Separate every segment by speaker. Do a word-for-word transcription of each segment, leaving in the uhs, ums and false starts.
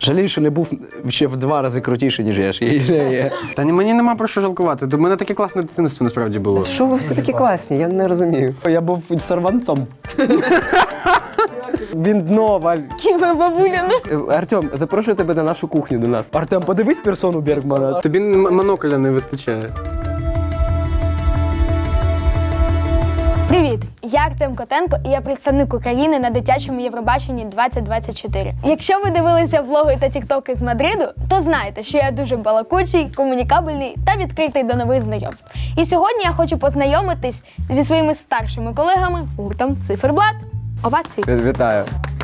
Speaker 1: Жалію, що не був ще в два рази крутіший, ніж я ж є.
Speaker 2: Та ні, мені нема про що жалкувати. У мене таке класне дитинство насправді було.
Speaker 1: Що ви всі такі класні? Я не розумію. Я був сорванцом. Він дно, Валь.
Speaker 3: Ківа бабуляна.
Speaker 1: Артем, запрошую тебе на нашу кухню до нас. Артем, подивись персону Бергмана.
Speaker 2: Тобі м- монокля не вистачає.
Speaker 3: Привіт! Я Артем Котенко і я представник України на дитячому Євробаченні двадцять двадцять чотири. Якщо ви дивилися влоги та тіктоки з Мадриду, то знаєте, що я дуже балакучий, комунікабельний та відкритий до нових знайомств. І сьогодні я хочу познайомитись зі своїми старшими колегами гуртом Циферблат. Овації.
Speaker 1: Вітаю.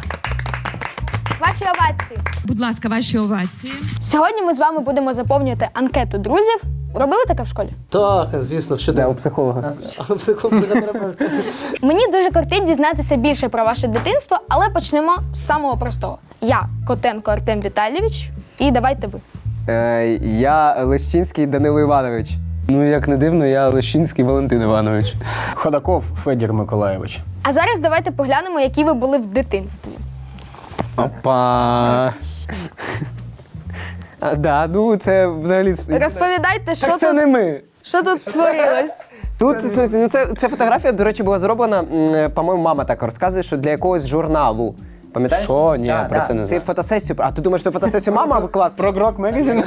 Speaker 3: Ваші овації.
Speaker 4: Будь ласка, ваші овації.
Speaker 3: Сьогодні ми з вами будемо заповнювати анкету друзів. Робили таке в школі?
Speaker 1: Так, звісно, що де у психолога. А у психотерапевта.
Speaker 3: Мені дуже кортить дізнатися більше про ваше дитинство, але почнемо з самого простого. Я Котенко Артем Віталійович, і давайте ви.
Speaker 1: Е, я Лещинський Данило Іванович. Ну, як не дивно, я Лещинський Валентин Іванович.
Speaker 2: Ходаков Федір Миколайович.
Speaker 3: А зараз давайте поглянемо, які ви були в дитинстві.
Speaker 1: Опа. А, да, ну це взагалі...
Speaker 3: Розповідайте, що
Speaker 1: Так це
Speaker 3: тут,
Speaker 1: не ми.
Speaker 3: що тут творилось.
Speaker 5: Тут, в смислі, ну це, це фотографія, до речі, була зроблена, м, по-моєму, мама так розказує, що для якогось журналу. Пам'ятаєш?
Speaker 1: Що? Ні,
Speaker 5: Да,
Speaker 1: про
Speaker 5: да.
Speaker 1: це не знаю.
Speaker 5: Це фотосесію. А ти думаєш, що фотосесію мама клас?
Speaker 2: Про Грок Мегазін?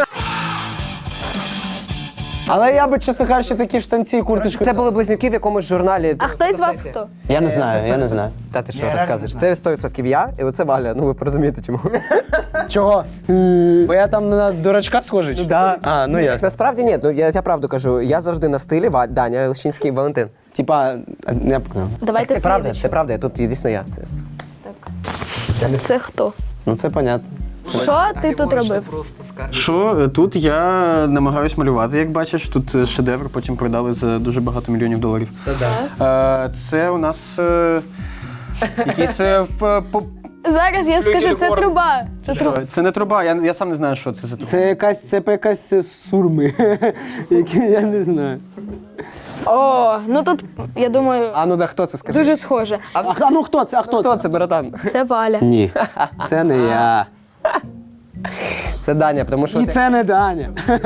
Speaker 1: Але я би, чесно кажучи, такі штанці і курточку...
Speaker 5: Це були близнюки в якомусь журналі.
Speaker 3: А хто із вас хто?
Speaker 1: Я не знаю, я не знаю.
Speaker 5: Та ти що розказуєш? Це сто відсотків я, і оце Валя. Ну ви порозумієте чому.
Speaker 1: Чого? Бо я там на дурачка схожий? чи?
Speaker 5: Да.
Speaker 1: А, ну я.
Speaker 5: Насправді ні, ну я, я правду кажу, я завжди на стилі Ва- Даня Лещинський Валентин.
Speaker 1: Типа, я...
Speaker 3: Давайте
Speaker 5: Це правда,
Speaker 3: слідуючу.
Speaker 5: це правда, тут дійсно я. Це.
Speaker 3: Це хто?
Speaker 1: Ну це понятно.
Speaker 3: Що ти тут робив?
Speaker 2: Що, тут я намагаюсь малювати, як бачиш. Тут е, шедевр, потім продали за дуже багато мільйонів доларів. Е, Це у нас е, якийсь... е, в- по-
Speaker 3: Зараз я скажу, це труба. Це труба.
Speaker 2: Це не труба, я, я сам не знаю, що це за труба.
Speaker 1: Це якась, це якась сурми, які я не знаю.
Speaker 3: О, ну тут, я думаю,
Speaker 5: А ну да, хто це скаже?
Speaker 3: дуже схоже.
Speaker 1: А, а ну хто це? А хто,
Speaker 5: Хто це, братан?
Speaker 3: Це Валя.
Speaker 1: Ні, це не я.
Speaker 5: Це Даня, тому що
Speaker 1: І
Speaker 5: ти-
Speaker 1: це не Даня.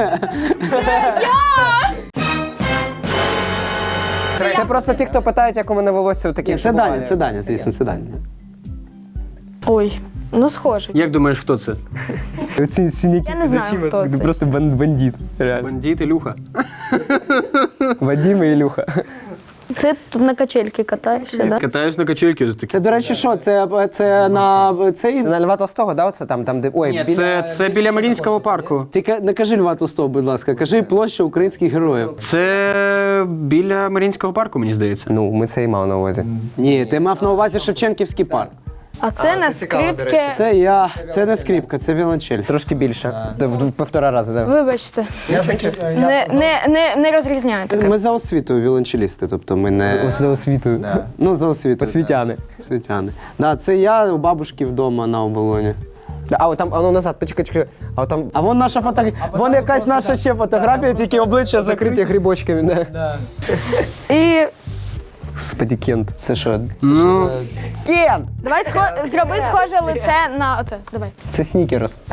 Speaker 5: це просто ті, хто питають, як у мене волосся в таких
Speaker 1: Це Даня, це Даня, звісно, це Даня.
Speaker 3: Ой, ну схоже.
Speaker 2: Як думаєш, хто це?
Speaker 1: Оці синяки
Speaker 3: Я не знаю,
Speaker 1: під очима,
Speaker 3: хто
Speaker 1: ти
Speaker 3: це.
Speaker 1: просто бан- бандит. Реально.
Speaker 2: Бандит Ілюха.
Speaker 1: Вадим і Ілюха.
Speaker 3: Це тут на качельки катаєшся, так?
Speaker 2: Катаюсь на качельки. Такі.
Speaker 1: Це, до речі, що? Це, це на цей...
Speaker 5: Це на Льва Толстого, да? Оце там, там, де. Ой,
Speaker 2: Ні,
Speaker 5: біля-
Speaker 2: це, це біля Маріїнського парку.
Speaker 1: Тільки не кажи Льва Толстого, будь ласка, кажи площа українських героїв.
Speaker 2: Це біля Маріїнського парку, мені здається.
Speaker 5: Ну, ми це і мав на увазі.
Speaker 1: Ні, ти мав на увазі Шевченківський парк.
Speaker 3: А це на скрипки.
Speaker 1: Це я, це не скрипка, це віолончель.
Speaker 5: Трошки більше. В, в, в півтора рази, так. Да.
Speaker 3: Вибачте. Не, не, не, не розрізняєте.
Speaker 1: Ми за освітою віолончелісти, тобто ми не...
Speaker 5: За освітою.
Speaker 1: Ну, за освітою.
Speaker 5: Освітяни.
Speaker 1: Освітяни. Да, це я у бабушки вдома на оболоні.
Speaker 5: Да, а от там, а ну назад, почекай, почекай. А от там
Speaker 1: А вон наша фотографія, вон якась наша ще фотографія, тільки обличчя закриті.
Speaker 5: закриті грибочками, да.
Speaker 3: І
Speaker 5: Господи, Кент.
Speaker 1: Це що?
Speaker 2: Ну,
Speaker 5: Кент!
Speaker 3: давай схо... зроби схоже лице на оте. Давай.
Speaker 5: Це снікерс.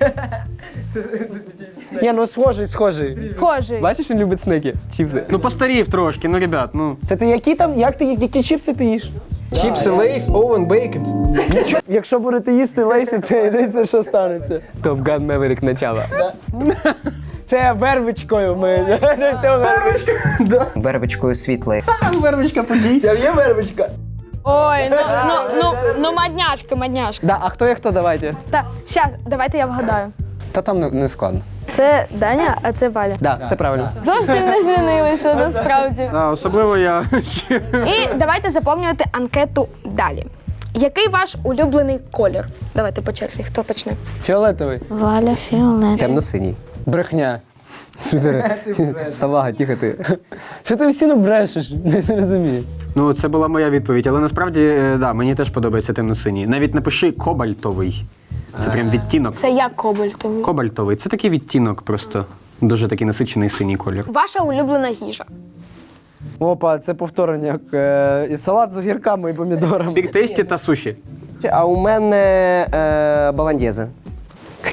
Speaker 1: Ні, ну схожий, схожий.
Speaker 3: Схожий.
Speaker 1: Бачиш, він любить снеки, чіпси.
Speaker 2: ну постарів трошки, ну, ребят, ну.
Speaker 1: Це ти які там, як ти, які чіпси ти їш?
Speaker 5: Чіпси, лейс, овен, бейкет.
Speaker 1: Якщо будете їсти лейсі, це йдеться, що станеться. Top Gun Maverick начало. Це вервичкою ми. Це вервичка.
Speaker 5: Вервичкою світлої.
Speaker 1: Вервичка подій. Там є вервичка.
Speaker 3: Ой, ну, ну, ну, ну мадняшка, мадняшка.
Speaker 5: Да, а хто є хто, давайте.
Speaker 3: Так, щас, давайте я вгадаю.
Speaker 1: Та там не, не складно.
Speaker 3: Це Даня, а це Валя.
Speaker 5: Да, все правильно.
Speaker 3: Зовсім не змінилися, насправді.
Speaker 2: А, особливо я.
Speaker 3: І давайте заповнювати анкету далі. Який ваш улюблений колір? Давайте по черзі, хто почне?
Speaker 1: Фіолетовий.
Speaker 3: Валя фіолет.
Speaker 5: Темно-синій.
Speaker 1: Брехня.
Speaker 5: Що ти? Салага, тихо ти.
Speaker 1: Що ти всі брешеш? Не розумію.
Speaker 2: Ну, це була моя відповідь, але насправді, е, да, мені теж подобається темно-синій. Навіть напиши кобальтовий. Це прям відтінок.
Speaker 3: Це як кобальтовий.
Speaker 2: Кобальтовий. Це такий відтінок просто. Дуже такий насичений синій колір.
Speaker 3: Ваша улюблена їжа.
Speaker 1: Опа, це повторення. Е, і салат з огірками і помідорами.
Speaker 2: Бік тесті та суші.
Speaker 5: А у мене е, баландєзи.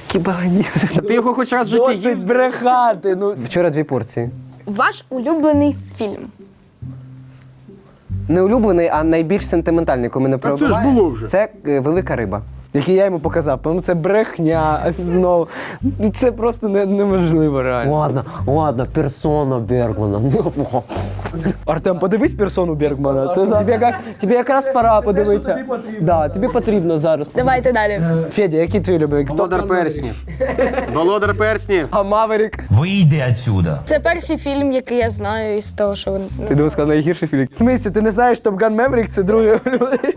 Speaker 1: Кібані.
Speaker 2: А ти його хоч раз в житті
Speaker 1: Досить
Speaker 2: їв?
Speaker 1: брехати. Ну,
Speaker 5: Вчора дві порції.
Speaker 3: Ваш улюблений фільм.
Speaker 5: Не улюблений, а найбільш сентиментальний, коли мене
Speaker 2: це ж
Speaker 5: пробиває.
Speaker 2: було вже.
Speaker 5: Це е, велика риба.
Speaker 1: який я йому показав. Ну це брехня знову. Ну це просто не, неможливо реально.
Speaker 5: Ладно, ладно, персона Бергмана.
Speaker 1: Артем, подивись персону Бергмана. Це тобі, яка, тобі якраз пора подивитися. Тобі потрібно. Да, тобі потрібно зараз.
Speaker 3: Давайте далі.
Speaker 1: Федя, який твій любимий?
Speaker 2: Володар перснів. Володар перснів.
Speaker 1: А Маверік?
Speaker 6: Выйди отсюда.
Speaker 3: Це перший фільм, який я знаю із того, що він.
Speaker 1: Ти думав, сказав найгірший фільм. В смислі, ти не знаєш Top Gun Maverick? Це другий улюблений.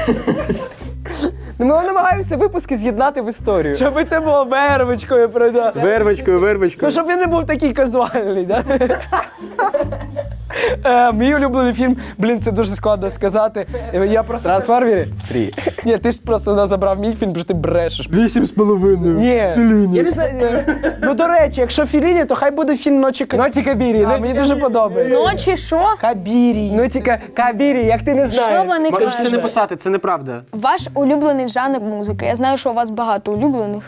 Speaker 5: Ну, ми намагаємося випуски з'єднати в історію.
Speaker 1: Щоб це було вервочкою продати.
Speaker 2: Вервочкою,
Speaker 1: Ну,
Speaker 2: вервочкою.
Speaker 1: щоб він не був такий казуальний, да? Е, мій улюблений фільм, блін, це дуже складно сказати. Е, Я просто... Трансформери? Три. Ні, ти ж просто забрав мій фільм, бо ж ти брешеш.
Speaker 2: Вісім з половиною.
Speaker 1: Ні. Я не знаю. е, Ну, до речі, якщо Філіні, то хай буде фільм «Ночі Кабірі». Ночі Кабірі, мені дуже подобається.
Speaker 3: Ночі що?
Speaker 1: Кабірі. Ну, тільки Кабірі, як ти не
Speaker 3: Що
Speaker 1: знаєш.
Speaker 3: вони
Speaker 2: Можеш це не
Speaker 3: кажуть?
Speaker 2: писати, це неправда.
Speaker 3: Ваш улюблений жанр музики. Я знаю, що у вас багато улюблених.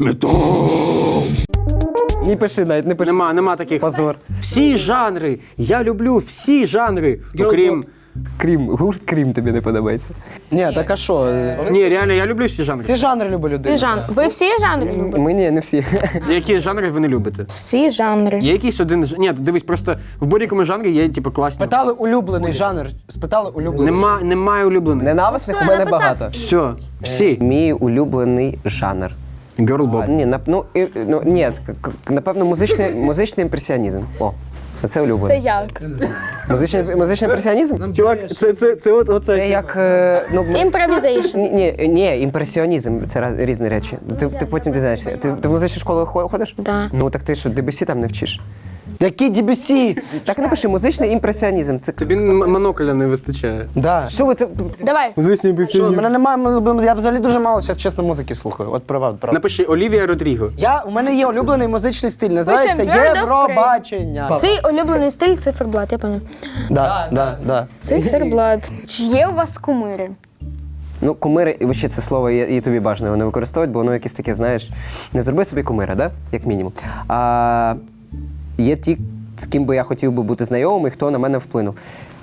Speaker 1: Не пиши навіть, не пиши.
Speaker 2: Нема, нема таких.
Speaker 1: Позор.
Speaker 2: Всі жанри. Я люблю всі жанри. Окрім.
Speaker 1: Крім, гурт Крім тобі не подобається. Ні, так а що?
Speaker 2: Ні, реально, я люблю всі жанри.
Speaker 1: Всі жанри люблю людину.
Speaker 3: Всі жанри. Ви всі жанри любите?
Speaker 5: Ми ні, не всі.
Speaker 2: Які жанри ви не любите?
Speaker 3: Всі жанри.
Speaker 2: Є якийсь один ж- Ні, дивись, просто в будь-якому жанрі є типу класні.
Speaker 1: Спитали улюблений жанр. Спитали улюблений.
Speaker 2: Нема, немає улюблених.
Speaker 5: Ненависних у
Speaker 3: Ну,
Speaker 5: мене
Speaker 3: я написав
Speaker 5: багато.
Speaker 2: Все, всі.
Speaker 5: Мій улюблений жанр.
Speaker 2: Girl
Speaker 5: А,
Speaker 2: Bob.
Speaker 5: ні, нап- ну, і- ну, ні, к- к- напевно, музичний, музичний імпресіонізм. О, це
Speaker 3: Це
Speaker 5: улюблений.
Speaker 3: як?
Speaker 5: Музичний, музичний імпресіонізм?
Speaker 1: Чувак, це, це, це от, оце.
Speaker 5: Це як, е, ну,
Speaker 3: Імпровізейшн.
Speaker 5: ні, ні, ні, імпресіонізм це раз- різні речі. Ти, ти потім дізнаєшся. Ти, ти в музичну школу хо- ходиш?
Speaker 3: Да.
Speaker 5: Ну так ти що, Дебюсі там не вчиш?
Speaker 1: Який Дебюсі?
Speaker 5: Так напиши, музичний імпресіонізм. Це
Speaker 2: Тобі м- моноколя не вистачає.
Speaker 1: Да.
Speaker 5: що ви ти-
Speaker 3: Давай.
Speaker 1: Що, мене немає, я взагалі дуже мало, зараз чесно, музики слухаю. От правда, правда.
Speaker 2: Напиши Олівія Родріго.
Speaker 1: Я, у мене є улюблений музичний стиль, називається
Speaker 3: Пишем Bird of
Speaker 1: Євробачення.
Speaker 3: Твій улюблений стиль циферблат, я пам'ятаю.
Speaker 1: Да, да, да.
Speaker 3: Циферблат. Чи є у вас кумири?
Speaker 5: Ну, кумири, і взагалі це слово і, і тобі бажано його не використовувати, бо воно якесь таке, знаєш, не зроби собі кумира, да? Як мінімум. А, є ті, з ким би я хотів би бути знайомим і хто на мене вплинув.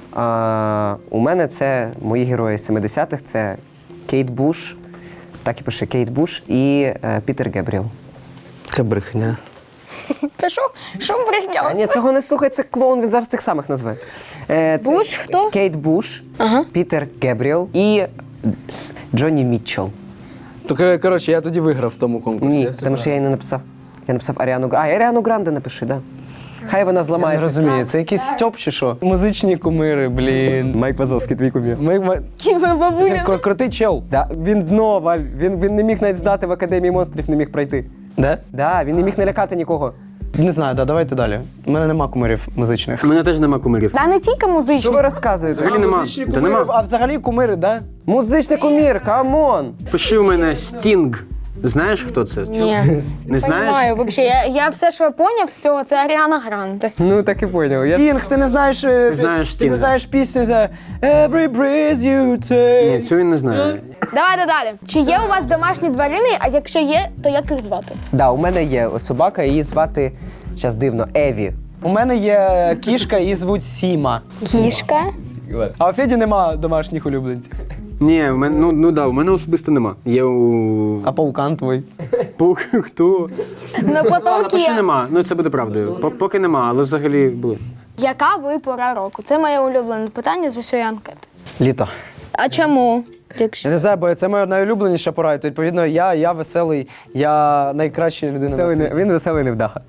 Speaker 5: А, у мене це мої герої з семидесятих, це Кейт Буш, так і пише Кейт Буш і е, Пітер Гебріел.
Speaker 1: Це брехня.
Speaker 3: Це що? Що брехня?
Speaker 5: А, ні, цього не слухай, це клоун, він зараз тих самих назве. Е, т-
Speaker 3: Буш хто?
Speaker 5: Кейт Буш,
Speaker 3: Ага.
Speaker 5: Пітер Гебріел і Джонні Мітчелл.
Speaker 1: То, кор- коротше, я тоді виграв в тому конкурсі.
Speaker 5: Ні,
Speaker 1: Я все
Speaker 5: тому що я її не написав. Я написав Аріану Гранде. А, Аріану Гранде напиши, да. Хай вона
Speaker 1: Я не
Speaker 5: зламається.
Speaker 1: розумію, це якийсь стьоп чи що? Музичні кумири, блін.
Speaker 5: Майк Вазовський, твій кумір.
Speaker 1: Майк Ва-
Speaker 3: Ківа бабуля.
Speaker 1: Кр- Крутий чел.
Speaker 5: Да, він дно, Валь. Він, він не міг навіть здати в Академії монстрів, не міг пройти.
Speaker 1: Да?
Speaker 5: Да, він не міг налякати нікого.
Speaker 1: Не знаю, да, давайте далі. У мене нема кумирів музичних.
Speaker 2: У мене теж нема кумирів.
Speaker 3: Та не тільки
Speaker 5: Що ви
Speaker 3: музичні.
Speaker 5: розказуєте?
Speaker 2: Взагалі нема.
Speaker 1: Музичні
Speaker 2: Та
Speaker 1: кумири,
Speaker 2: нема.
Speaker 1: а взагалі кумири, да?
Speaker 5: Музичний кумір, камон!
Speaker 2: Пиши у мене Стінг. Знаєш, хто це?
Speaker 3: Ні.
Speaker 2: Не знаєш?
Speaker 3: Понимаю, вообще. Я, я все, що я поняв з цього, це Аріана Гранде.
Speaker 5: Ну, так і поняв. Я...
Speaker 1: Стінг, ти не знаєш. е,
Speaker 2: Ти знаєш
Speaker 1: Ти
Speaker 2: Стінга.
Speaker 1: не знаєш пісню за Every breath you take.
Speaker 2: Ні, цю він не знає.
Speaker 3: Давайте далі. Чи є у вас домашні тварини, а якщо є, то як їх звати?
Speaker 5: Да, у мене є собака, її звати, зараз дивно, Еві.
Speaker 1: У мене є кішка, її звуть Сіма.
Speaker 3: Кішка.
Speaker 1: А у Феді нема домашніх улюбленців.
Speaker 2: Ні, у мене, ну, ну да, у мене особисто нема. Є у
Speaker 1: А паукан твій.
Speaker 2: Пух, хто?
Speaker 3: На
Speaker 2: Напиши
Speaker 3: потолки.
Speaker 2: нема, ну це буде правдою. По- Поки нема, але взагалі були.
Speaker 3: Яка ви пора року? Це моє улюблене питання з усієї анкети.
Speaker 1: Літо.
Speaker 3: А чому? Якщо...
Speaker 1: Я не знаю, бо це моя найулюбленіша пора. І, то, відповідно, я, я веселий, я найкраща людина
Speaker 5: Веселий,
Speaker 1: на
Speaker 5: не-
Speaker 1: світі.
Speaker 5: він веселий невдаха.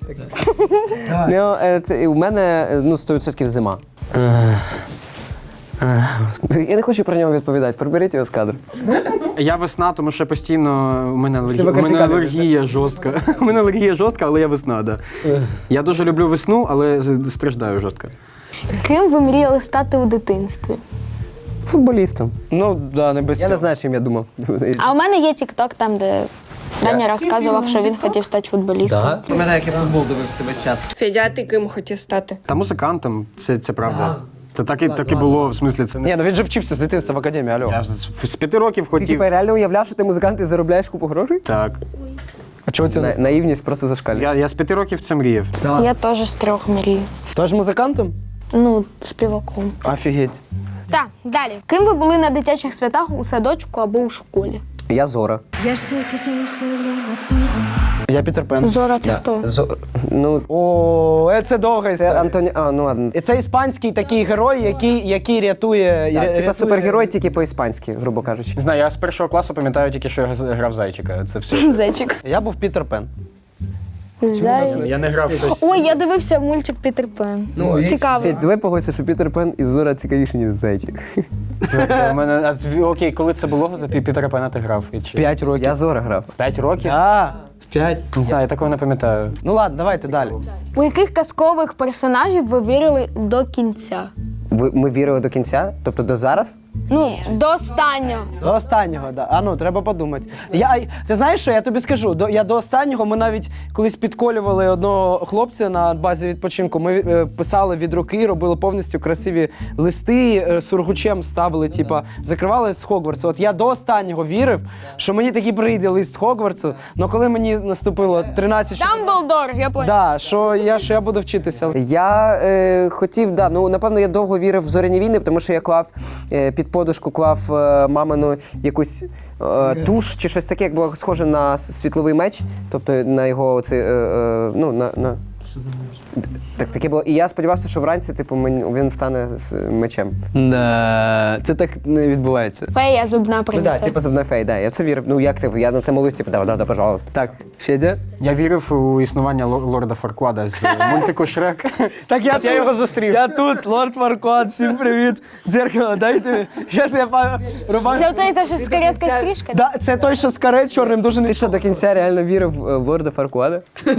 Speaker 5: Ну, е, це, у мене е, ну, сто відсотків зима. Я не хочу про нього відповідати, приберіть його з кадру.
Speaker 2: Я весна, тому що постійно у мене алергія,
Speaker 1: тебе
Speaker 2: у мене
Speaker 1: картикалі
Speaker 2: алергія жорстка. У мене алергія жорстка, але я весна, да. Я дуже люблю весну, але з- страждаю жорстко.
Speaker 3: Ким ви мріяли стати у дитинстві?
Speaker 5: Футболістом.
Speaker 1: Ну, да, не без
Speaker 5: Я не
Speaker 1: цього.
Speaker 5: знаю, чим я думав.
Speaker 3: А у мене є тік-ток, там, де Даня розказував, що він хотів стати футболістом.
Speaker 5: Пам'ятаю, як я футбол дивився весь час.
Speaker 7: Федя, а ти ким хотів стати?
Speaker 2: Та музикантом, це, це правда. Це так і, так і було, в смислі, це не.
Speaker 1: Ні, ну він же вчився з дитинства в академії, алло.
Speaker 2: Я з, з п'яти років
Speaker 5: Ти
Speaker 2: хотів.
Speaker 5: типа реально уявляв, що ти музикант і заробляєш купу грошей?
Speaker 2: Так.
Speaker 1: чого це
Speaker 5: На,
Speaker 1: не
Speaker 5: наївність просто зашкалює.
Speaker 2: Я, я з п'яти років це мріяв.
Speaker 3: Я теж з трьох мрію.
Speaker 1: Тож музикантом?
Speaker 3: Ну, співаком.
Speaker 1: Офігеть.
Speaker 3: Так, далі. Ким ви були на дитячих святах у садочку або у школі?
Speaker 5: Я Зора.
Speaker 1: Я Пітер Пен.
Speaker 3: Зора це хто?
Speaker 5: Зо... Ну,
Speaker 1: О, е, це довга
Speaker 5: це
Speaker 1: історія.
Speaker 5: Антоні... А, ну ладно.
Speaker 1: І це іспанський такий герой, який, який рятує... ря-
Speaker 5: Так, типа
Speaker 1: рятує-
Speaker 5: супергерой тільки по-іспанськи, грубо кажучи.
Speaker 2: Не знаю, я з першого класу пам'ятаю тільки, що я грав зайчика. Це все.
Speaker 3: Зайчик.
Speaker 1: Я був Пітер Пен.
Speaker 3: Зайчик.
Speaker 2: Я не грав щось.
Speaker 3: Ой, я дивився мультик Пітер Пен. Ну, цікаво.
Speaker 5: Федь, давай погодься, що Пітер Пен і Зора цікавіші, ніж зайчик.
Speaker 2: У мене, а, з- окей, коли це було, то Пі- Пітера Пена ти грав. І чи-
Speaker 1: П'ять років.
Speaker 5: Я Зора грав.
Speaker 2: П'ять років?
Speaker 1: А, п'ять.
Speaker 2: Не знаю, я такого не пам'ятаю.
Speaker 1: Ну ладно, давайте далі.
Speaker 3: У яких казкових персонажів ви вірили до кінця?
Speaker 5: Ви, ми вірили до кінця? Тобто до зараз?
Speaker 3: Ну, до останнього.
Speaker 1: До останнього, да. А ну, треба подумати. Я, ти знаєш, що я тобі скажу? До, я до останнього, ми навіть колись підколювали одного хлопця на базі відпочинку. Ми е, писали від руки, робили повністю красиві листи, е, сургучем ставили, типа, закривали з Хогвартсу. От я до останнього вірив, що мені таки прийде лист з Хогвартсу, але коли мені наступило тринадцять...
Speaker 3: Дамблдор, я поняла.
Speaker 1: Да, що я, що я буду вчитися.
Speaker 5: Я е, хотів, да, ну напевно, я довго вірив в зоряні війни, тому що я клав е, під подушку, клав е, мамину якусь е, туш чи щось таке, як було схоже на с- світловий меч, тобто на його оцей, е, е, ну, на. на... Так, таке було. І я сподівався, що вранці, типу, мен- він стане з мечем.
Speaker 1: Да, це так не відбувається.
Speaker 3: Фея зубна
Speaker 5: Ну
Speaker 3: принесе.
Speaker 5: так, типу зубна фей, да. Я в це вірив. Ну як це? Я на це молився, типу, да, да, да, пожалуйста.
Speaker 1: Так, Федя?
Speaker 2: Я вірив у існування лор- лорда Фарквада з мультику Шрек.
Speaker 1: Так я,
Speaker 2: От я його зустрів.
Speaker 1: Я тут, лорд Фарквад, всім привіт. Дзеркало, дайте. Зараз я па- рубаю.
Speaker 3: Це той, те, що з кареткою стрижка?
Speaker 1: Да, це той, що з каре чорним дуже не
Speaker 5: Ти що, до кінця реально вірив е, в лорда Фаркуада?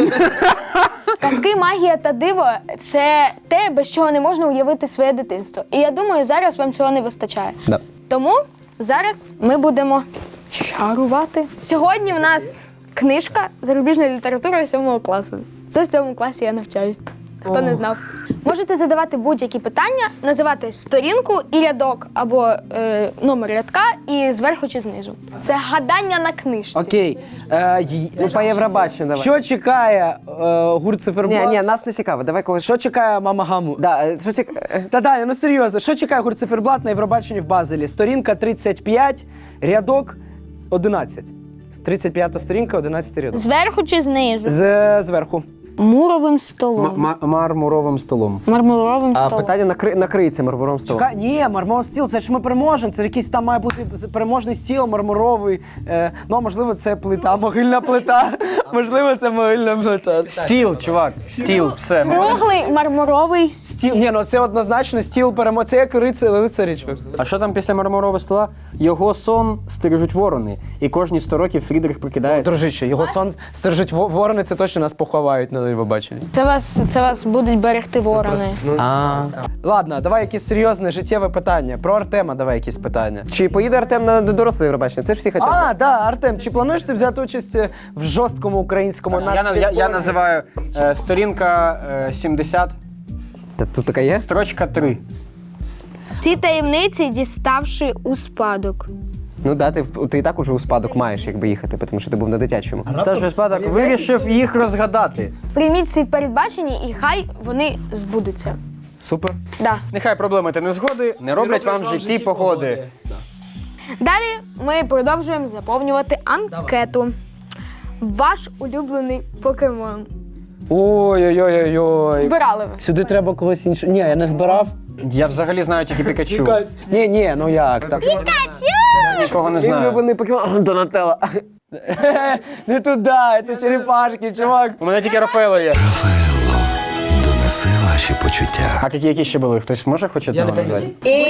Speaker 3: Казки, магія та диво – це те, без чого не можна уявити своє дитинство. І я думаю, зараз вам цього не вистачає.
Speaker 5: Да.
Speaker 3: Тому зараз ми будемо чарувати. Сьогодні в нас книжка зарубіжної літератури сьомого класу. Це в цьому класі я навчаюсь. Хто не знав. Можете задавати будь-які питання, називати сторінку і рядок або е, номер рядка і зверху чи знизу. Це гадання на книжці.
Speaker 1: Окей. Е, й-
Speaker 5: Ну, по Євробаченню давай.
Speaker 1: Що чекає е, гурт циферблат?
Speaker 5: Ні, ні, нас не цікаво. Давай когось.
Speaker 1: Що чекає мама Гаму?
Speaker 5: Да, е, що цік... е,
Speaker 1: Та да, ну серйозно, що чекає гурт циферблат на Євробаченні в Базелі? Сторінка тридцять п'ять, рядок одинадцять. тридцять п'ята сторінка, одинадцятий рядок.
Speaker 3: Зверху чи знизу?
Speaker 1: З, зверху.
Speaker 3: Муровим
Speaker 2: М-
Speaker 3: столом.
Speaker 2: ма- мармуровим столом.
Speaker 3: Мармуровим
Speaker 5: А
Speaker 3: столом.
Speaker 5: питання накри... накриється мармуром столом.
Speaker 1: Чекай, ні, мармуровий стіл, це ж ми переможемо. Це якийсь там має бути переможний стіл, мармуровий. Е, ну, можливо, це плита, могильна плита. Можливо, це могильна плита.
Speaker 2: Стіл, чувак, стіл, все.
Speaker 3: Круглий мармуровий стіл.
Speaker 1: Стіл, ні, ну це однозначно стіл перемог. Це як рицар, лицарі.
Speaker 2: А що там після мармурового стола? Його сон стережуть ворони. І кожні сто років Фрідрих прокидає.
Speaker 1: Дружище, його сон стережуть во- ворони, це точно нас поховають на Євробаченні.
Speaker 3: Це вас, це вас будуть берегти ворони.
Speaker 1: А. Ладно, давай якесь серйозне життєве питання. Про Артема давай якісь питання.
Speaker 5: Чи поїде Артем на доросле Євробачення? Це ж всі хотять.
Speaker 1: А, да, Артем, чи плануєш ти взяти участь в жорсткому українському
Speaker 2: Я, на- я, я
Speaker 1: нацвідборі?
Speaker 2: називаю е, сторінка е, сімдесят,
Speaker 5: Та тут така є?
Speaker 2: строчка три.
Speaker 3: Ці таємниці діставши у спадок.
Speaker 5: Ну да, ти, в- ти і так уже у спадок маєш якби їхати, тому що ти був на дитячому.
Speaker 2: Старший спадок вирішив їх розгадати.
Speaker 3: Прийміть ці передбачення і хай вони збудуться.
Speaker 1: Супер.
Speaker 3: Да.
Speaker 2: Нехай проблеми та незгоди не роблять вам в житті погоди.
Speaker 3: Далі ми продовжуємо заповнювати анкету. Ваш улюблений покемон.
Speaker 1: Ой-ой-ой-ой.
Speaker 3: Збирали ви?
Speaker 1: Сюди треба когось іншого. Ні, я не збирав.
Speaker 2: Я взагалі знаю тільки Пікачу.
Speaker 1: Ні, ні, ну як так?
Speaker 2: Нікого не
Speaker 5: Мій
Speaker 2: знаю.
Speaker 5: улюблений покемон Донателло.
Speaker 1: Не туди, це черепашки, чувак.
Speaker 2: У мене тільки Рафаело є.
Speaker 6: Донеси ваші почуття.
Speaker 2: А які, які ще були? Хтось може хоч одного назвати?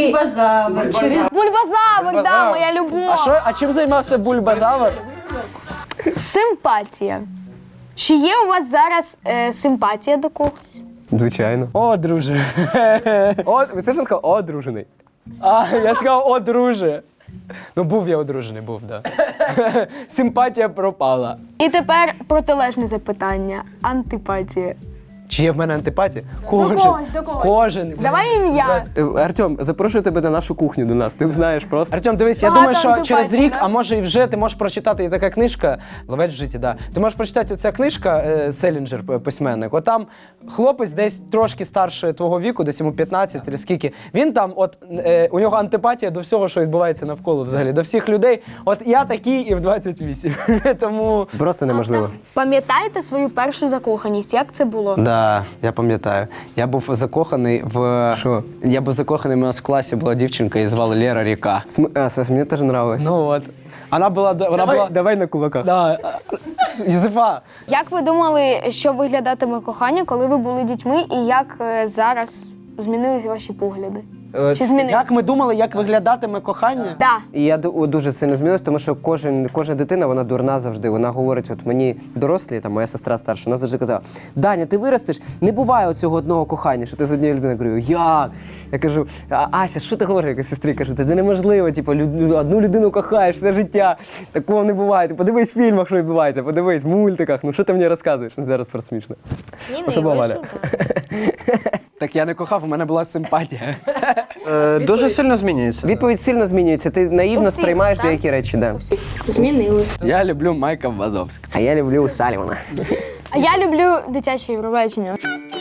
Speaker 3: Бульбазавр, да, моя любов.
Speaker 1: А що, а чим займався Бульбазавр?
Speaker 3: Симпатія. Чи є у вас зараз е, симпатія до когось?
Speaker 5: Звичайно.
Speaker 1: О, друже.
Speaker 5: О, ви це ж сказав, одружений.
Speaker 1: А, я сказав, о, друже. Ну, був я одружений, був, так. Да. Симпатія пропала.
Speaker 3: І тепер протилежне запитання. Антипатія.
Speaker 1: Чи є в мене антипатія? Кожен.
Speaker 3: когось, до когось.
Speaker 1: Кожен.
Speaker 3: Давай ім'я.
Speaker 5: Е, Артем, запрошую тебе на нашу кухню до нас. Ти знаєш просто.
Speaker 1: Артем, дивись, я
Speaker 3: Багато
Speaker 1: думаю, що
Speaker 3: антипатій,
Speaker 1: через рік,
Speaker 3: да?
Speaker 1: а може і вже ти можеш прочитати, є така книжка «Ловець в житті», да. Ти можеш прочитати оця книжка е, Селінджер, п- письменник. От там хлопець десь трошки старше твого віку, десь йому п'ятнадцять чи скільки. Він там, от е, у нього антипатія до всього, що відбувається навколо взагалі, до всіх людей. От я такий і в двадцять вісім. Тому
Speaker 5: Просто неможливо.
Speaker 3: Пам'ятаєте свою першу закоханість? Як це було?
Speaker 1: да, я пам'ятаю. Я був закоханий в.
Speaker 5: Що?
Speaker 1: Я був закоханий, у нас в класі була дівчинка, її звали Лера Ріка.
Speaker 5: См... А, Сас, мені теж нравилось.
Speaker 1: Ну от. Вона була. Вона була.
Speaker 5: давай на кулаках.
Speaker 1: Да. Юзефа.
Speaker 3: Як ви думали, що виглядатиме кохання, коли ви були дітьми, і як е, зараз змінились ваші погляди?
Speaker 5: Е,
Speaker 3: Чи змінились?
Speaker 1: Як ми думали, як виглядатиме кохання?
Speaker 3: Да.
Speaker 5: І я ду- дуже сильно змінилась, тому що кожен, кожна дитина, вона дурна завжди. Вона говорить, от мені дорослі, там моя сестра старша, вона завжди казала: Даня, ти виростеш, не буває оцього одного кохання, що ти з однією людиною. Я говорю, як? Я кажу, «А, Ася, що ти говориш, як сестрі? Кажу, це неможливо, типу, люд- одну людину кохаєш все життя. Такого не буває. Ти подивись в фільмах, що відбувається, подивись в мультиках. Ну що ти мені розказуєш? Ну, зараз просто смішно. Особливо Валя.
Speaker 1: Так я не кохав, у мене була симпатія.
Speaker 2: Е, дуже сильно змінюється.
Speaker 5: Відповідь сильно змінюється. Ти наївно
Speaker 3: У всіх,
Speaker 5: сприймаєш
Speaker 3: так?
Speaker 5: деякі речі, да.
Speaker 3: Змінилось.
Speaker 1: Я люблю Майка Вазовського.
Speaker 5: А я люблю Салівана.
Speaker 3: А я люблю дитяче Євробачення.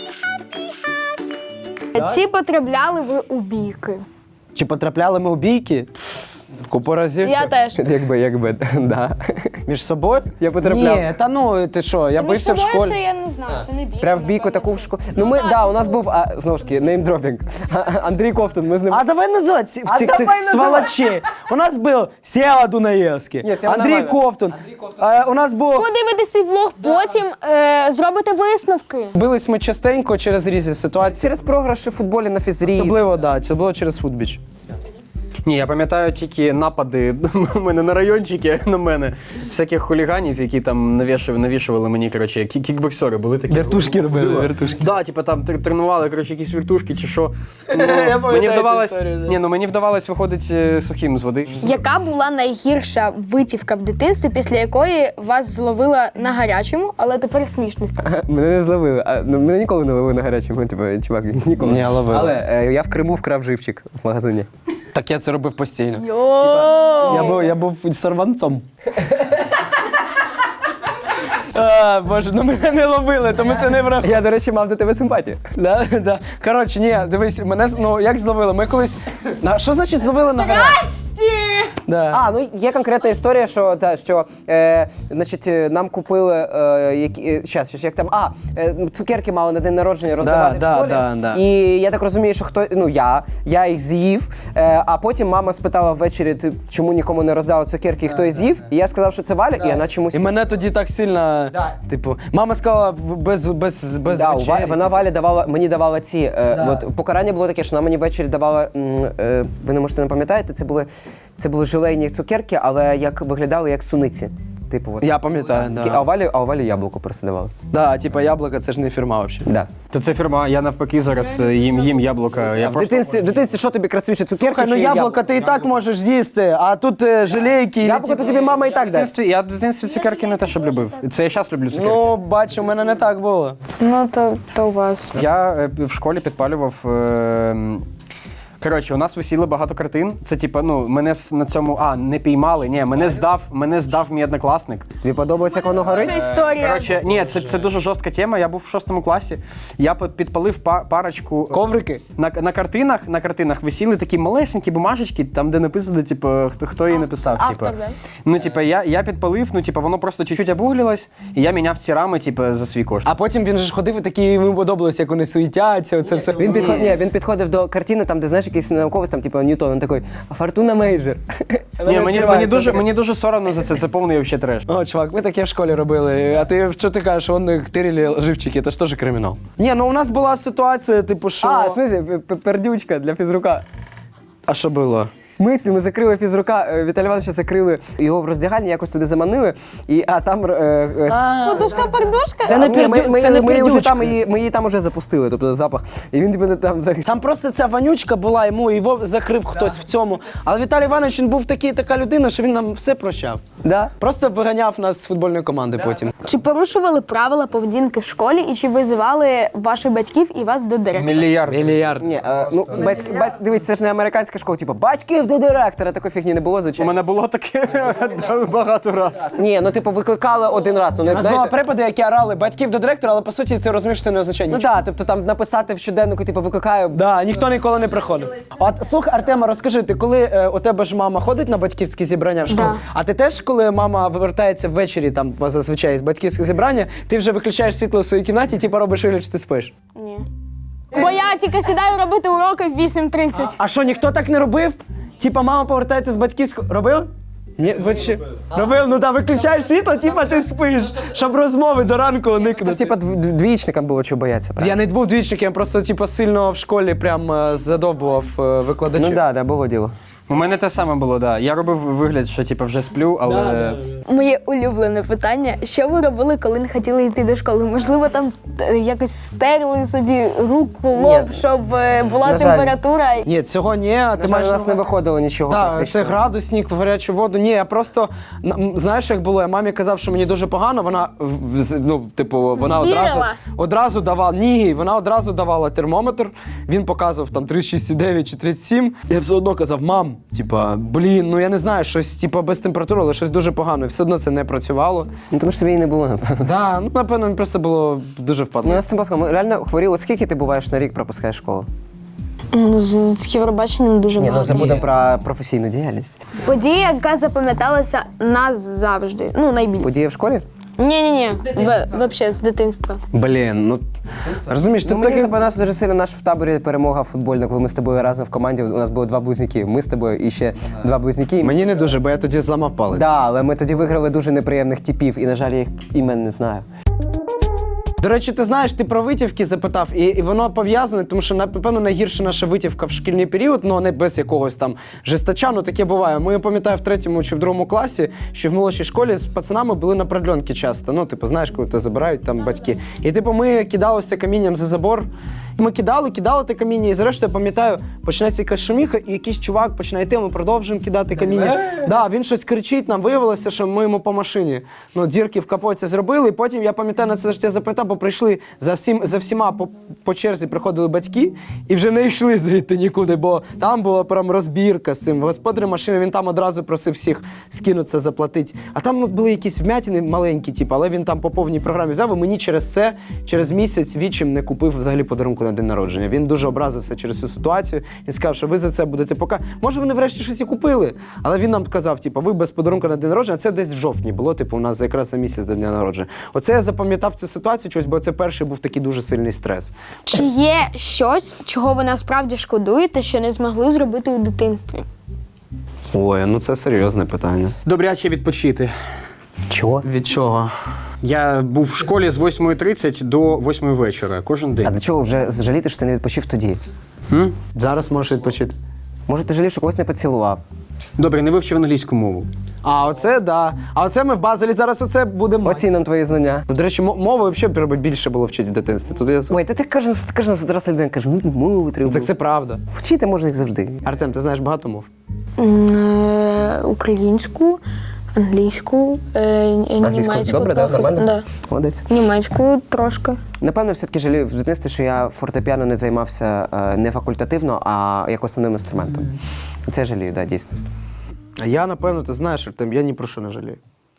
Speaker 3: Чи потрапляли ви у бійки?
Speaker 1: Чи потрапляли ми у бійки? Купу разів.
Speaker 3: Я теж.
Speaker 5: Якби, якби, да.
Speaker 1: Між собою?
Speaker 5: Я потрапляв.
Speaker 1: Ні, та ну ти що, я
Speaker 3: Між
Speaker 1: бився в
Speaker 3: собою
Speaker 1: школі.
Speaker 3: це я не знаю, це не бійка.
Speaker 5: Прям в бійку
Speaker 3: напевно,
Speaker 5: таку в
Speaker 3: це.
Speaker 5: школу. Ну ми,
Speaker 3: так,
Speaker 5: да, у нас був, а, знову ж таки, неймдропінг. Андрій Ковтун, ми з ним.
Speaker 1: А давай називати всіх
Speaker 5: А
Speaker 1: цих
Speaker 5: давай називай.
Speaker 1: сволочей. У нас був Сєва Дунаєвський,
Speaker 5: Ні, Сєва
Speaker 1: Андрій
Speaker 5: нормально.
Speaker 1: Ковтун. А, у нас був...
Speaker 3: Подивитесь цей влог, потім е, зробите висновки.
Speaker 1: Бились ми частенько через різні ситуації.
Speaker 5: Через програші в футболі на фізрі.
Speaker 1: Особливо, да, це було через футбіч.
Speaker 2: Ні, я пам'ятаю тільки напади у мене на райончики на мене. Всяких хуліганів, які там навішували, навішували мені, коротше, кі- кікбоксери були такі.
Speaker 1: Вертушки робили, вертушки.
Speaker 2: Да, типу там тр- тренували, коротше, якісь віртушки чи що. Ну,
Speaker 1: пам'ятаю
Speaker 2: мені
Speaker 1: цю
Speaker 2: вдавалось,
Speaker 1: історію, да.
Speaker 2: ні, ну мені вдавалось виходить е, сухим з води.
Speaker 3: Яка була найгірша витівка в дитинстві, після якої вас зловила на гарячому, але тепер смішно стало?
Speaker 5: Мене не зловили. А, ну, мене ніколи не ловили на гарячому, типу, чувак, ніколи.
Speaker 1: Ні, ловили.
Speaker 5: Але е, я в Криму вкрав живчик в магазині.
Speaker 1: Так я це робив постійно.
Speaker 3: Йооо!
Speaker 1: Я був, я був сорванцом. А, Боже, ну мене не ловили, тому це не враховує.
Speaker 5: Я, до речі, мав до тебе симпатію.
Speaker 1: Да, да. Коротше, ні, дивись, мене з- ну як зловили? Ми колись. На що значить зловили на гарячому? Да.
Speaker 5: А, ну є конкретна історія, що, та, що е, значить, е, нам купили, е, які, е, щас, щас, як там, а, е, цукерки мали на день народження роздавати
Speaker 1: да,
Speaker 5: в школі.
Speaker 1: да, да.
Speaker 5: І я так розумію, що хто, ну я, я їх з'їв, е, а потім мама спитала ввечері, ти чому нікому не роздала цукерки, і хто їх з'їв, і я сказав, що це Валя, і вона чомусь...
Speaker 1: І мене тоді так сильно,
Speaker 5: Да.
Speaker 1: типу, мама сказала в- без, без, без
Speaker 5: Да, у
Speaker 1: вечері,
Speaker 5: Валі, вона
Speaker 1: типу.
Speaker 5: Валі давала, мені давала ці. Е,
Speaker 1: Да.
Speaker 5: от, покарання було таке, що вона мені ввечері давала. М, е, ви не можете не пам'ятаєте, це були, це були желейні цукерки, але як виглядали як суниці. Типу, от.
Speaker 1: Я пам'ятаю,
Speaker 5: А
Speaker 1: да.
Speaker 5: у Валі, а у Валі яблуко просто давали.
Speaker 1: Да, типа яблука це ж не фірма взагалі.
Speaker 5: Да.
Speaker 2: Та це фірма, я навпаки зараз е, їм їм яблука. Я
Speaker 5: В
Speaker 2: просто...
Speaker 5: дитинстві, в дитинстві що тобі красивіше, цукерки
Speaker 1: Слухай, ну
Speaker 5: чи
Speaker 1: яблука ти і так можеш з'їсти, а тут е, желейки. і
Speaker 5: Яблуко
Speaker 1: ті-
Speaker 5: то тобі мама і так
Speaker 2: В
Speaker 5: дасть.
Speaker 2: дитинстві, я в дитинстві цукерки не те, щоб любив. Це я зараз люблю цукерки.
Speaker 1: Ну, бачу, у мене не так було.
Speaker 3: Ну, то, то у вас.
Speaker 2: Я е, в школі підпалював. Е, коротше, у нас висіло багато картин. Це типа, ну, мене с- на цьому. А, не піймали. Ні, мене здав, мене здав мій однокласник.
Speaker 5: Тобі подобається, як воно горить?
Speaker 3: Це історія.
Speaker 2: Коротше, ні, це, це дуже жорстка тема. Я був в шостому класі. Я під- підпалив па- парочку.
Speaker 1: Коврики?
Speaker 2: На, на картинах на картинах висіли такі малесенькі бумажечки, там де написано, типу, хто, хто її написав.
Speaker 3: Автор,
Speaker 2: типу.
Speaker 3: да?
Speaker 2: Ну, типу, я, я підпалив, ну, типу, воно просто чуть-чуть обуглилось, і я міняв ці рами, типу, за свій кошт.
Speaker 1: А потім він же ж ходив і такий, йому подобалось, як вони суетяться, оце все.
Speaker 5: Він, підход... Ні, він підходив до картини, там, де знаєш, якийсь науковець, там, типу, Ньютон, він такий, Фортуна Мейджор.
Speaker 2: Ні, мені, мені, дуже, мені дуже соромно за це, це повний взагалі треш.
Speaker 1: О, чувак, ми таке в школі робили. А ти що ти кажеш, вони тирили живчики, це ж теж кримінал. Ні, ну у нас була ситуація, типу, що.
Speaker 5: А, в смысле, п- п- пердючка для фізрука.
Speaker 1: А що було?
Speaker 5: В смислі, ми закрили фізрука, е, Віталія Івановича закрили його в роздягальні, якось туди заманили, і, а там... Е, е,
Speaker 3: Подушка-пардушка?
Speaker 1: Це не
Speaker 5: а, ні, ми,
Speaker 1: пірдю-
Speaker 5: ми,
Speaker 1: це не
Speaker 5: ми, вже
Speaker 1: пірдючка.
Speaker 5: там її, ми її там вже запустили, тобто запах. І він тебе там... за-
Speaker 1: Там просто ця вонючка була, йому його закрив хтось в цьому. Але Віталій Іванович, він був такий, така людина, що він нам все прощав.
Speaker 5: Да?
Speaker 1: Просто виганяв нас з футбольної команди потім.
Speaker 3: Чи порушували правила поведінки в школі і чи визивали ваших батьків і вас до директора?
Speaker 1: Мільярд. Мільярд.
Speaker 5: Ні, е, ну, батьки, бать, дивись, це ж не американська школа, типу, батьків до директора, такої фігні не було,
Speaker 2: У
Speaker 5: звичайно.
Speaker 2: мене було таке багато разів.
Speaker 5: Ні, ну, типу, викликали один раз, ну,
Speaker 1: У
Speaker 5: не,
Speaker 1: нас були
Speaker 5: знаєте,
Speaker 1: припади, які орали батьків до директора, але по суті це розумієш, що це не означає
Speaker 5: ну,
Speaker 1: нічого.
Speaker 5: да, тобто там написати в щоденнику, типу, викликаю,
Speaker 1: Да, ніхто ніколи не приходив. От слухай, Артема, розкажи, ти коли е, у тебе ж мама ходить на батьківські зібрання в школу?
Speaker 3: Да.
Speaker 1: А ти теж, коли мама повертається ввечері, там зазвичай з батьківських зібрання, ти вже виключаєш світло в своїй кімнаті, типу робиш вигляд, що ти спиш?
Speaker 3: Ні. Бо я тільки сідаю робити уроки в вісім тридцять.
Speaker 1: А що, ніхто так не робив? Типа мама повертається з батьківського. Робив? Ні, ви ще? Робив, ну так, виключаєш світло, типа ти спиш, щоб розмови до ранку
Speaker 5: Тож,
Speaker 1: уникнути.
Speaker 5: типу, дв- дв- двічникам було чого боятися, правда?
Speaker 1: Я не був двічником, я просто типу, сильно в школі прям е, задовбував е, викладачів.
Speaker 5: Ну, да, да, було діло.
Speaker 2: У мене те саме було, да. Я робив вигляд, що типу, вже сплю, але.
Speaker 3: Моє улюблене питання: що ви робили, коли не хотіли йти до школи? Можливо, там е, якось стерли собі руку, лоб,
Speaker 5: Ні.
Speaker 3: щоб е, була
Speaker 5: На жаль.
Speaker 3: температура.
Speaker 1: Ні, цього ні, а ти
Speaker 5: Ти
Speaker 1: маєш
Speaker 5: у
Speaker 1: на
Speaker 5: нас не
Speaker 1: увазі-
Speaker 5: виходило нічого
Speaker 1: Так,
Speaker 5: практично.
Speaker 1: це градусник в гарячу воду. Ні, я просто на- м, знаєш, як було, я мамі казав, що мені дуже погано. Вона в- з- ну, типу, вона одразу,
Speaker 3: Вірила?
Speaker 1: одразу давала. Ні, вона одразу давала термометр. Він показував там тридцять шість цілих дев'ять чи тридцять сім. Я все одно казав, мам, типа, блін, ну я не знаю, щось типа без температури, але щось дуже погано. І все одно це не працювало.
Speaker 5: Ну, тому що тобі і не було, напевно.
Speaker 1: Да, ну напевно, мені просто було дуже
Speaker 5: Ну,
Speaker 1: впадло.
Speaker 5: я з цим баском, ми реально хворіли. От скільки ти буваєш на рік пропускаєш школу?
Speaker 3: Ну, з, з Євробаченням дуже
Speaker 5: Ні, ну
Speaker 3: багато.
Speaker 5: забудемо про професійну діяльність.
Speaker 3: Подія, яка запам'яталася назавжди. Ну, найбільше.
Speaker 5: Події в школі?
Speaker 3: Ні-ні-ні, в, взагалі, з дитинства.
Speaker 1: Блін, ну розумієш,
Speaker 5: Ну,
Speaker 1: тут
Speaker 5: мені
Speaker 1: таке.
Speaker 5: у нас дуже сильно наш в таборі перемога футбольна, коли ми з тобою разом в команді. У нас було два близнюки. Ми з тобою і ще два близнюки.
Speaker 1: Мені не дуже, бо я тоді зламав палець.
Speaker 5: Да, але ми тоді виграли дуже неприємних типів, і, на жаль, я їх імен не знаю.
Speaker 1: До речі, ти знаєш, ти про витівки запитав, і, і воно пов'язане, тому що, напевно, найгірша наша витівка в шкільний період, ну не без якогось там жестача, ну таке буває. Ми, я пам'ятаю, в третьому чи в другому класі, що в молодшій школі з пацанами були на продльонки часто. Ну, типу, знаєш, коли тебе забирають там батьки. І типу, ми кидалися камінням за забор. Ми кидали, кидали те каміння, і зрештою, я пам'ятаю, починається якась шуміха, і якийсь чувак починає йти, ми продовжуємо кидати каміння. Да, він щось кричить, нам виявилося, що ми йому по машині. Ну, дірки в капоті зробили, і потім, я пам'ятаю, на це життя запам'ятав, бо прийшли за, всім, за всіма по, по черзі приходили батьки, і вже не йшли звідти нікуди, бо там була прям розбірка з цим. Господар машини, він там одразу просив всіх скинутися, заплатити. А там були якісь вмятини маленькі, типу, але він там по повній програмі взяв, і мені через це, через місяць вічим не купив взагалі подарунку на день народження. Він дуже образився через цю ситуацію і сказав, що ви за це будете пока. Може, вони врешті щось і купили, але він нам казав, типу, ви без подарунку на день народження. Це десь в жовтні було, типу, у нас якраз за місяць до дня народження. Оце я запам'ятав цю ситуацію, чогось, бо це перший був такий дуже сильний стрес.
Speaker 3: Чи є щось, чого ви насправді шкодуєте, що не змогли зробити у дитинстві?
Speaker 1: Ой, ну це серйозне питання.
Speaker 2: Добряче відпочити.
Speaker 5: Чого?
Speaker 1: Від чого?
Speaker 2: Я був в школі з восьмої тридцять до восьмої вечора, кожен
Speaker 5: А
Speaker 2: день.
Speaker 5: для чого вже жаліти, що ти не відпочив тоді?
Speaker 2: М?
Speaker 1: Зараз можеш відпочити.
Speaker 5: Може, ти жалів, що когось не поцілував?
Speaker 2: Добре, не вивчив англійську мову.
Speaker 1: А оце, да. А оце ми в Базелі зараз оце будемо.
Speaker 5: Оцінимо твої знання.
Speaker 1: Ну, до речі, мо- мови взагалі треба більше було вчити в дитинстві. Тут я...
Speaker 5: Ой, та ти кожен, кожен доросла людина каже, ну мови треба.
Speaker 1: Так це правда.
Speaker 5: Вчити можна їх завжди.
Speaker 1: Артем, ти знаєш багато мов?
Speaker 3: Е, Українську, англійську, е, німецьку.
Speaker 5: добре, да?
Speaker 3: трохи.
Speaker 5: Нормально?
Speaker 3: Да.
Speaker 5: Молодець.
Speaker 3: Німецьку трошки.
Speaker 5: Напевно, все-таки жалію в дитинстві, що я фортепіано не займався е, не факультативно, а як основним інструментом. Це жалію, да, дійсно.
Speaker 1: А я, напевно, ти знаєш, Артем, я ні про що не жалію.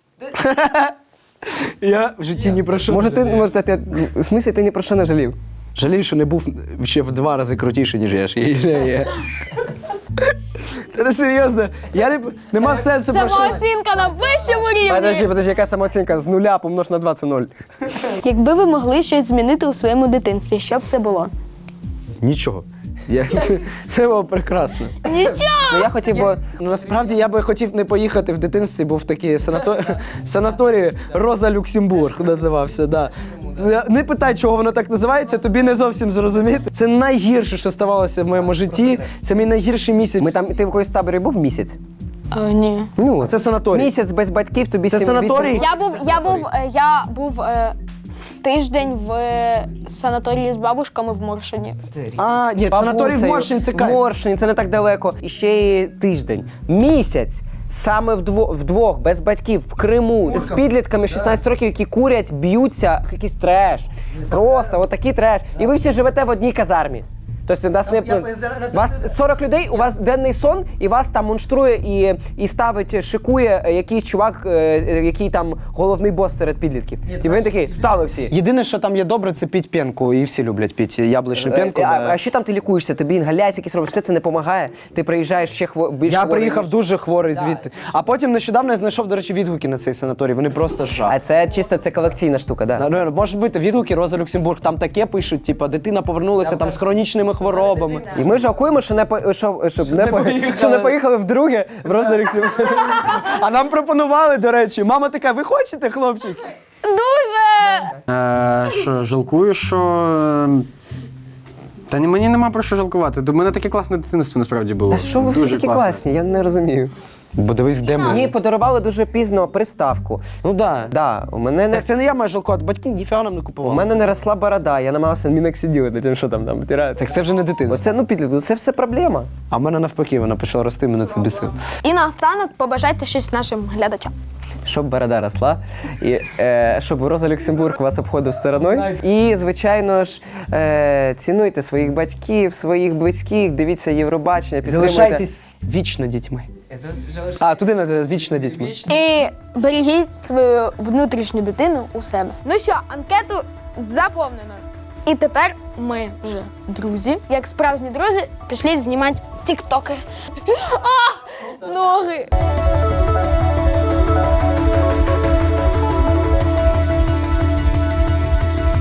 Speaker 1: Я в житті ні про що
Speaker 5: Може,
Speaker 1: не
Speaker 5: ти,
Speaker 1: жалію.
Speaker 5: може, ти, в смислі, ти ні про що не жалів?
Speaker 1: Жалію, що не був ще в два рази крутіший, ніж я ж є. Та не серйозно, я не... нема сенсу про що.
Speaker 3: Самооцінка на вищому
Speaker 5: Подожди,
Speaker 3: рівні!
Speaker 5: подожди, яка самооцінка? З нуля помнож на два – це ноль.
Speaker 3: Якби ви могли щось змінити у своєму дитинстві, що б це було?
Speaker 1: Нічого. Я... Це було прекрасно.
Speaker 3: Нічого!
Speaker 5: Ну, я хотів би...
Speaker 1: Ну, насправді я би хотів не поїхати в дитинстві, був такий санатор... санаторій Роза Люксембург називався. Да. Не питай, чого воно так називається, тобі не зовсім зрозуміти. Це найгірше, що ставалося в моєму житті. Це мій найгірший місяць.
Speaker 5: Ми там, ти в якоїсь таборі був місяць?
Speaker 3: Е, ні.
Speaker 5: Ну,
Speaker 1: Це санаторій.
Speaker 5: Місяць без батьків, тобі
Speaker 1: Це
Speaker 5: сім-
Speaker 1: санаторій?
Speaker 5: вісім-
Speaker 3: Я був, я був, е, я був е, тиждень в е, санаторії з бабушками в Моршині.
Speaker 1: А, ні, санаторій в
Speaker 5: Бабусею.
Speaker 1: Моршині, це
Speaker 5: В
Speaker 1: кайф.
Speaker 5: Моршині, це не так далеко. І ще й тиждень. Місяць. Саме вдвох, вдвох, без батьків, в Криму, з підлітками шістнадцять років, які курять, б'ються, якийсь треш. Просто отакий треш. І ви всі живете в одній казармі. Тобто у нас не вас сорок людей, у вас денний сон, і вас там монструє і, і ставить, шикує якийсь чувак, е, який там головний бос серед підлітків. І він такий, встали всі.
Speaker 1: Єдине, що там є добре, це піть п'янку. І всі люблять піти яблучну п'янку.
Speaker 5: Е, а,
Speaker 1: да.
Speaker 5: а що там ти лікуєшся? Тобі інгаляції якісь робиш, все це не допомагає. Ти приїжджаєш ще хво... більш
Speaker 1: Я
Speaker 5: хворий,
Speaker 1: приїхав
Speaker 5: ніж-
Speaker 1: дуже хворий звідти. А потім нещодавно я знайшов, до речі, відгуки на цей санаторій. Вони просто жах.
Speaker 5: А це чисто це колекційна штука, да?
Speaker 1: Ну, може бути відгуки Роза Люксембург, там таке пишуть, типу, дитина повернулася там з хронічними хворобами.
Speaker 5: І ми жалкуємо, що не по що, щоб не, по...
Speaker 1: поїхали.
Speaker 5: що не поїхали вдруге в Роза Люксембург.
Speaker 1: А нам пропонували, до речі, мама така, ви хочете, хлопчик?
Speaker 3: Дуже!
Speaker 2: Е, що, жалкую, що. е, Та ні, мені нема про що жалкувати. До мене таке класне дитинство насправді було.
Speaker 5: А що ви всі
Speaker 2: Дуже
Speaker 5: такі
Speaker 2: класне.
Speaker 5: класні? Я не розумію.
Speaker 1: Бо дивись, де ми.
Speaker 5: Мені подарували дуже пізно приставку.
Speaker 1: Ну да.
Speaker 5: Да, у мене не
Speaker 1: Так це не я маю жалкувати, батьки ніфіга нам не
Speaker 5: у
Speaker 1: купували.
Speaker 5: мене не росла борода, я намагався мінок сиділи над тим, що там там витираю.
Speaker 1: Так це вже не дитинство.
Speaker 5: Оце ну підлітку, це все проблема.
Speaker 1: А в мене навпаки, вона почала рости, мене це бісило.
Speaker 3: І наостанок побажайте щось нашим глядачам.
Speaker 5: Щоб борода росла, і е, щоб Роза Люксембург вас обходив стороною. І, звичайно ж, е, цінуйте своїх батьків, своїх близьких, дивіться Євробачення, підтримуйте.
Speaker 1: Залишайтесь вічно дітьми. А, туди не вічно дітьми.
Speaker 3: І бережіть свою внутрішню дитину у себе. Ну що, анкету заповнено. І тепер ми вже друзі. Як справжні друзі, пішли знімати тіктоки. А, ноги!